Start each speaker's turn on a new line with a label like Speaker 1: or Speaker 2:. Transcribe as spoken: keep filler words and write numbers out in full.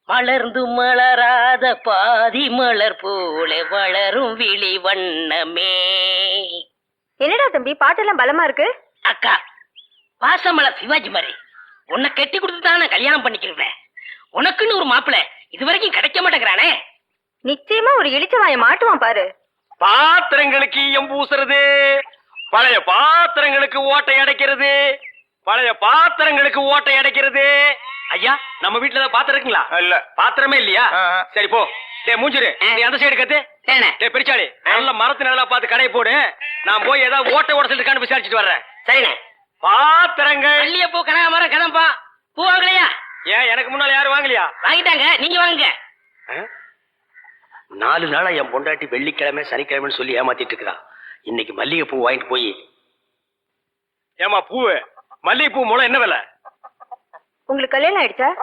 Speaker 1: மலர்ந்து மலராத பாதி மலர் போல வளரும் விழி வண்ணமே.
Speaker 2: என்னடா தம்பி பாட்டெல்லாம் பலமா இருக்கு.
Speaker 1: அக்கா, பாசமலர் சிவாஜி மாதிரி உன்னை கட்டி கொடுத்து தான் நான் கல்யாணம் பண்ணிக்கிறேன். உனக்குன்னு ஒரு மாப்பிள்ளை இது வரைக்கும் கிடைக்க மாட்டேங்கிறானே.
Speaker 2: நிச்சயமா ஒரு இளிச்சவாய மாட்டுவான் பாரு.
Speaker 3: பாத்திரங்களுக்கு ஈயம் பூசுறது, பழைய பாத்திரங்களுக்கு ஓட்டை அடைக்கிறது, பழைய பாத்திரங்களுக்கு ஓட்டை அடைக்கிறது. ஐயா, நம்ம வீட்டுல ஏதாவது பாத்திரம் இருக்குங்களா? இல்ல, பாத்திரமே இல்லையா? சரி போ. டேய் மூஞ்சிரு, நீ அந்த சைடு கத்து. டேய் பெரிச்சாளி, நல்ல மரத்து நல்லா பார்த்து கடை போடு. நான் போய் ஏதாவது ஓட்டை உடசல் இருக்கான்னு விசாரிச்சுட்டு வர்றேன். சரிண்ணே. பாத்திரங்கள்
Speaker 1: மல்லிகை பூ கனகாமரம் கதம்பா பூ வாங்கலையா?
Speaker 3: ஏன் எனக்கு முன்னால யாரும் வாங்கலையா?
Speaker 1: வாங்கிட்டாங்க, நீங்க வாங்குங்க.
Speaker 3: நாலு நாளா என் பொண்டாட்டி வெள்ளிக்கிழமை சனிக்கிழமைன்னு சொல்லி ஏமாத்திட்டு இருக்கிறான். இன்னைக்கு மல்லிகை பூ வாங்கிட்டு போய். ஏமா பூ, மல்லிகை பூ மூலம் என்ன விலை?
Speaker 2: உங்களுக்கு கல்யாணம் ஆயிடுச்சா?